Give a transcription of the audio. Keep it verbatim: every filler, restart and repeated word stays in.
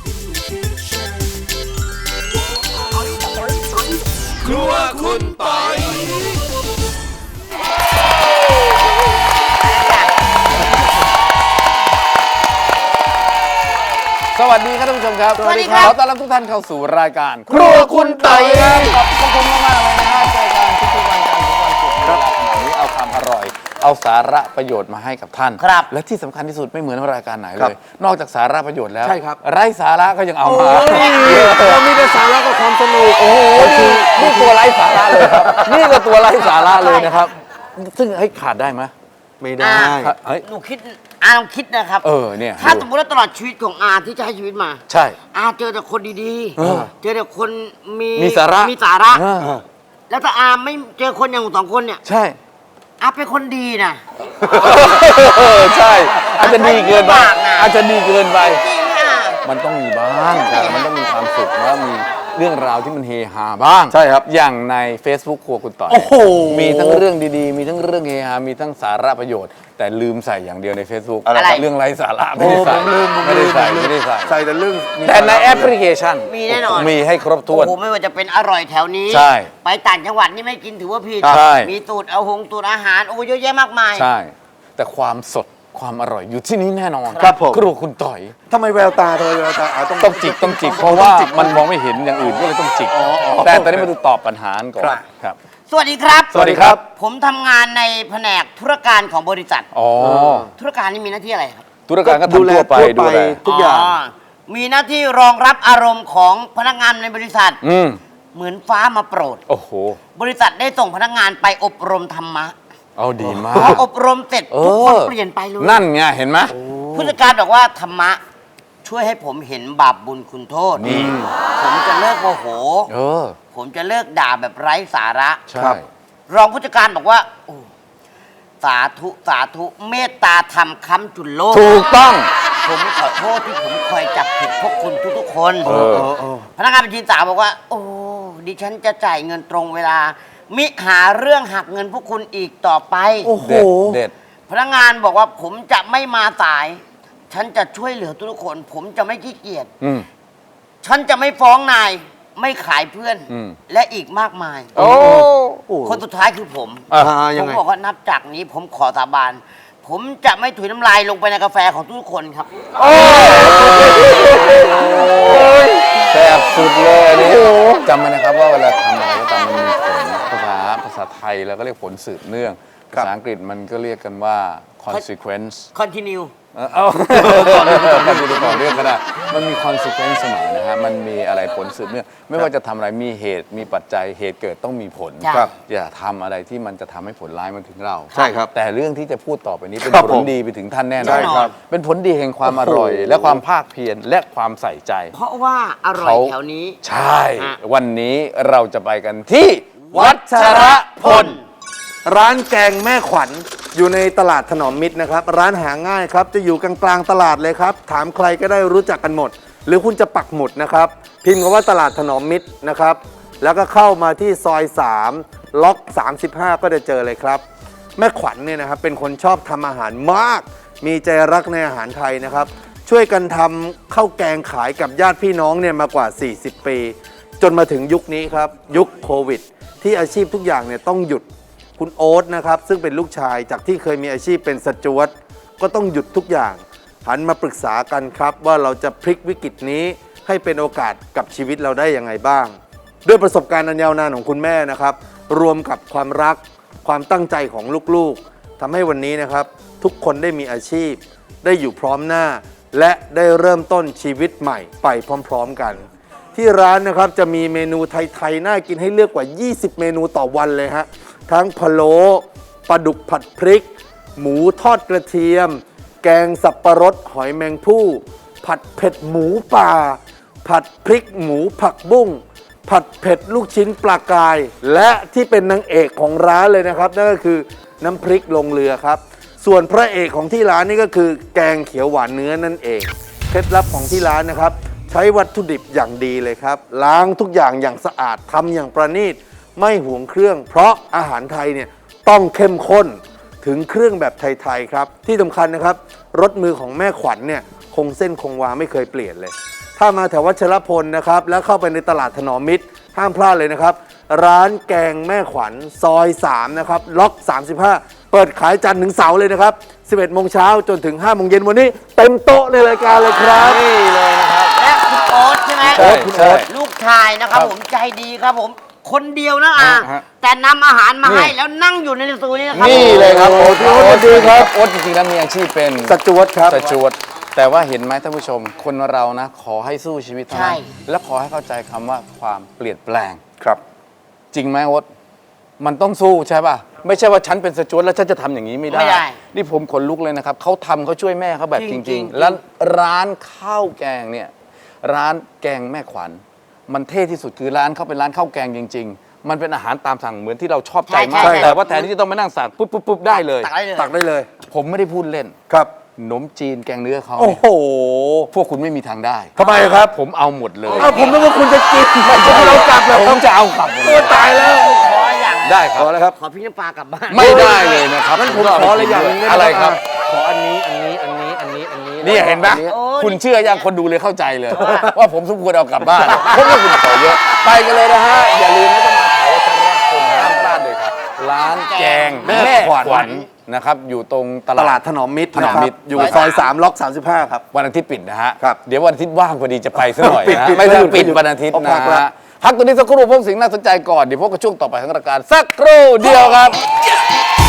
ครัวคุณปอยสวัสดีครับท่านผู้ชมครับสวัสดีครับขอต้อนรับทุกท่านเข้าสู่รายการครัวคุณปอยครับขอบคุณมากๆเลยนะฮะเจอกันทุกๆวันจันทร์ถึงวันศุกร์เวลาขนาดนี้เอาความอร่อย เอาสาระประโยชน์มาให้กับท่านครับและที่สำคัญที่สุดไม่เหมือนรายการไหนเลย นอกจากสาระประโยชน์แล้วใช่ครับไร้สาระก็ยังเอามาเรามีแต่สาระกับความสนุกโอ้โหนี่นี่ตัวไร้สาระเลยครับ นี่ก็ตัวไร้สาระเลยนะครับ ซึ่งให้ขาดได้ไหมไม่ได้เฮ้ยหนูคิดอาลองคิดนะครับเออเนี่ยถ้าสมมติว่าตลอดชีวิตของอาที่จะให้ชีวิตมาใช่อาเจอแต่คนดีเออๆ เจอแต่คนมีมีสาระมีสาระเออแล้วถ้าอาไม่เจอคนอย่างสองคนเนี่ยใช่อาเป็นคนดีนะเออใช่อาจจะดีเกินไปอาจจะลำบากนะอาจจะดีเกินไปจริงอ่ะมันต้องมีบ้างแต่มันต้องมีความสุขแล้วมีเรื่องราวที่มันเฮฮาบ้างใช่ครับอย่างใน Facebook ครัวคุณต่อยโอ้โหมีทั้งเรื่องดีๆ มีทั้งเรื่องเฮฮามีทั้งสาระประโยชน์ แต่ลืมใส่อย่างเดียวใน Facebook อะไรเรื่องไร้สาระไม่ได้ใส่ผมลืมผมไม่ลืได้มใส่ไม่ได้ใส่ใส่แต่เรื่องแต่ในแอปพลิเคชันมีแน่นอนมีให้ครบถ้โอ้วนโหไม่ว่าจะเป็นอร่อยแถวนี้ใช่ไปต่างจังหวัดนี่ไม่กินถือว่าผิดใช่มีตูดเอาหงตูดอาหารโอ้เยอะแยะมากมายใช่ แต่ความสดความอร่อยอยู่ที่นี้แน่นอนครับผมครัวคุณต่อยทำไมแววตาทำไมแววตาอ่ะต้องต้องจิกต้องจิกเพราะว่ามันมองไม่เห็นอย่างอื่นก็เลยต้องจิกอ๋ออ๋อแต่ตอนนี้มาดูตอบปัญหาก่อนครับครับสวัสดีครับสวัสดีครับผมทำงานในแผนกธุรการของบริษัทอ๋อธุรการนี่มีหน้าที่อะไรครับธุรการก็ดูแลทำทั่วไปทั่วไปดูแลทุกอย่างมีหน้าที่รองรับอารมณ์ของพนักงานในบริษัทอืมเหมือนฟ้ามาโปรดโอ้โหบริษัทได้ส่งพนักงานไปอบรมธรรมะเอาดีมาพอก อบรมเสร็จเอทุกคนอเปลี่ยนไปเลยนั่นไงเห็นไหมผู้จัดการบอกว่าธรรมะช่วยให้ผมเห็นบาปบุญคุณโทษนี่ผมจะเลิกโมโหเออผมจะเลิกด่าแบบไร้สาระใช่ครับรองผู้จัดการบอกว่าโอ้สาธุสาธุเมตตาธรรมค้ำจุนโลกถูกต้องผมขอโทษที่ผมคอยจับผิดพวกคุณทุกๆคนเออเออเออพนักงานบัญชีสาวบอกว่า โอ้ดิฉันจะจ่ายเงินตรงเวลา มิหาเรื่องหักเงินพวกคุณอีกต่อไปโอ้โหเด็ดเด็ดพนักงานบอกว่าผมจะไม่มาสาย ฉันจะช่วยเหลือทุกคน ผมจะไม่ขี้เกียจอืมฉันจะไม่ฟ้องนายไม่ขายเพื่อนอืมและอีกมากมายโอ้โอ้คนสุดท้ายคือผมอ่ะอ่ายัผงมไงบอกว่านับจากนี้ผมขอสาบาน ผมจะไม่ถุยน้ำลายลงไปในกาแฟของทุกคนครับแซ่บสุดเลยอันนี่จำไว้นะครับว่าเวลาทำอะไรก็ตามมันมีผลภาษาภาษาไทยแล้วก็เรียกผลสืบเนื่องครับภาษาอังกฤษมันก็เรียกกันว่า consequence continue เออเอาก่อนเรื่องก่อนเรื่องก่อนเรื่องก็ได้มันมี consequence เสมอนะฮะมันมีอะไรผลสืบเนื่องไม่ว่าจะทำอะไรมีเหตุมีปัจจัยเหตุเกิดต้องมีผลใช่ครับอย่าทำอะไรที่มันจะทำให้ผลร้ายมาถึงเราใช่ครับแต่เรื่องที่จะพูดต่อไปนี้เป็นครับผผลมดีไปถึงท่านแน่นใช่อนครับเป็นผลดีแห่งความอร่อย และความภาคเพียรและความใส่ใจเพราะว่าอร่อยเขาแถวนี้ใช่อ่ะวันนี้เราจะไปกันที่วัชรพลร้านแกงแม่ขวัญอยู่ในตลาดถนอมมิตรนะครับ ร้านหาง่ายครับ จะอยู่กลางๆตลาดเลยครับ ถามใครก็ได้รู้จักกันหมด หรือคุณจะปักหมุดนะครับ พิมพ์คำว่าตลาดถนอมมิตรนะครับ แล้วก็เข้ามาที่ซอยสามล็อกสามสิบห้าก็จะเจอเลยครับ แม่ขวัญเนี่ยนะครับเป็นคนชอบทำอาหารมาก มีใจรักในอาหารไทยนะครับ ช่วยกันทำข้าวแกงขายกับญาติพี่น้องเนี่ยมากว่า สี่สิบ ปี จนมาถึงยุคนี้ครับ ยุคโควิด ที่อาชีพทุกอย่างเนี่ยต้องหยุด คุณโอ๊ตนะครับซึ่งเป็นลูกชายจากที่เคยมีอาชีพเป็นสจ๊วตก็ต้องหยุดทุกอย่าง หันมาปรึกษากันครับว่าเราจะพลิกวิกฤตนี้ให้เป็นโอกาสกับชีวิตเราได้ยังไงบ้าง ด้วยประสบการณ์อันยาวนานของคุณแม่นะครับ รวมกับความรัก ความตั้งใจของลูกๆทำให้วันนี้นะครับ ทุกคนได้มีอาชีพ ได้อยู่พร้อมหน้า และได้เริ่มต้นชีวิตใหม่ไปพร้อมๆกัน ที่ร้านนะครับจะมีเมนูไทยๆน่ากินให้เลือกกว่า ยี่สิบ เมนูต่อวันเลยฮะทั้งพะโล้ปลาดุกผัดพริก หมูทอดกระเทียม แกงสับปะรดหอยแมงภู่ผัดเผ็ดหมูป่า ผัดพริกหมูผักบุ้งผัดเผ็ดลูกชิ้นปลากาย และที่เป็นนางเอกของร้านเลยนะครับนั่นก็คือน้ำพริกลงเรือครับส่วนพระเอกของที่ร้านนี่ก็คือแกงเขียวหวานเนื้อนั่นเองเคล็ดลับของที่ร้านนะครับใช้วัตถุดิบอย่างดีเลยครับล้างทุกอย่างอย่างสะอาดทำอย่างประณีตไม่ห่วงเครื่อง เพราะอาหารไทยเนี่ยต้องเข้มข้นถึงเครื่องแบบไทยๆครับที่สำคัญนะครับรสมือของแม่ขวัญเนี่ยคงเส้นคงวาไม่เคยเปลี่ยนเลยถ้ามาแถววัชรพลนะครับแล้วเข้าไปในตลาดถนอมมิตรห้ามพลาดเลยนะครับร้านแกงแม่ขวัญซอยสามนะครับล็อกสามสิบห้าเปิดขายจันทร์ถึงเสาร์เลยนะครับสิบเอ็ดโมงเช้าจนถึงห้าโมงเย็นวันนี้เต็มโต๊ะในรายการเลยครับนี่เลยนะครับและคุณโอ๊ตใช่ไหมใช่ใช่ลูกชายนะครับครับผมใจดีครับผมคนเดียวนะอ่ะฮะแต่นำอาหารมานี่ให้แล้วนั่งอยู่ในสตูนี้นะครับนี่เลยครับโอ้พี่โอ๊ตสวัสดีครับโอ๊ตจริงๆแล้วมีอาชีพเป็นสจวตครับสจวตแต่ว่าเห็นไหมท่านผู้ชม คนเรานะ ขอให้สู้ชีวิตเท่านั้นและขอให้เข้าใจคำว่าความเปลี่ยนแปลงครับจริงไหมโอ๊ตมันต้องสู้ใช่ป่ะ ไม่ใช่ว่าฉันเป็นสจวตแล้วฉันจะทำอย่างนี้ไม่ได้ไม่ได้นี่ผมขนลุกเลยนะครับเขาทำเขาช่วยแม่เขาแบบจจริริงงๆๆแล้วร้านข้าวแกงเนี่ยร้านแกงแม่ขวัญมันเท่ที่สุดคือร้านเขาเป็นร้านข้าวแกงจริง ๆ มันเป็นอาหารตามสั่งเหมือนที่เราชอบใจมากใช่ใช่แต่ว่าแทนที่จะต้องมานั่งสั่งปุ๊บปุ๊บปุ๊บได้เลยตักได้เลยตักได้เลยผมไม่ได้พูดเล่นครับขนมจีนแกงเนื้อเขาโอ้เนี่ยโหพวกคุณไม่มีทางได้ทำไมครับผมเอาหมดเลยอ้าวผมนึกว่าคุณจะกินไม่ใช่เรากลับเหรอผมจะเอากลับหมดเลโอ้ยตายแล้วขออย่างได้คขรับอแล้วครับขอพี่น้ำปลากลับบ้านไม่ได้เลยนะครับงั้นผมก็ขออะไรอย่างหนึงด้หมอะไรครับขออันนี้อันนี้อันนี้อันนี้อันนี้นี่เห็นไหมอัโอ้คุณเชื่อยังคนดูเลยเข้าใจเลย ว่าผมสมควรเอากลับบ้านเพราะว่าคุณขอเยอะไปกันเลยนะฮะ อย่าลืมนะต้องมาแถววัชรพลห้ามพลาดเลยครับ ร้านแกงแม่แม่ขวัญขวัญนะครับอยู่ตรงตตลาลาดดถนอมมิตรถนอมมิตรนะครับอยู่ซอยสามล็อกสามสิบห้าครับวันอาทิตย์ปิดนะฮะครับเดี๋ยววันอาทิตย์ว่างพอดีจะไปซะหน่อยปิดนะปิดไม่ใช่ปิดปิดปิดวันอาทิตย์เอาพันะกละฮะพักตัวนี้สักครู่พบสิ่งน่าสนใจก่อนเดี๋ยวพบกับช่วงต่อไปของรายการสักครู่เดียวครับ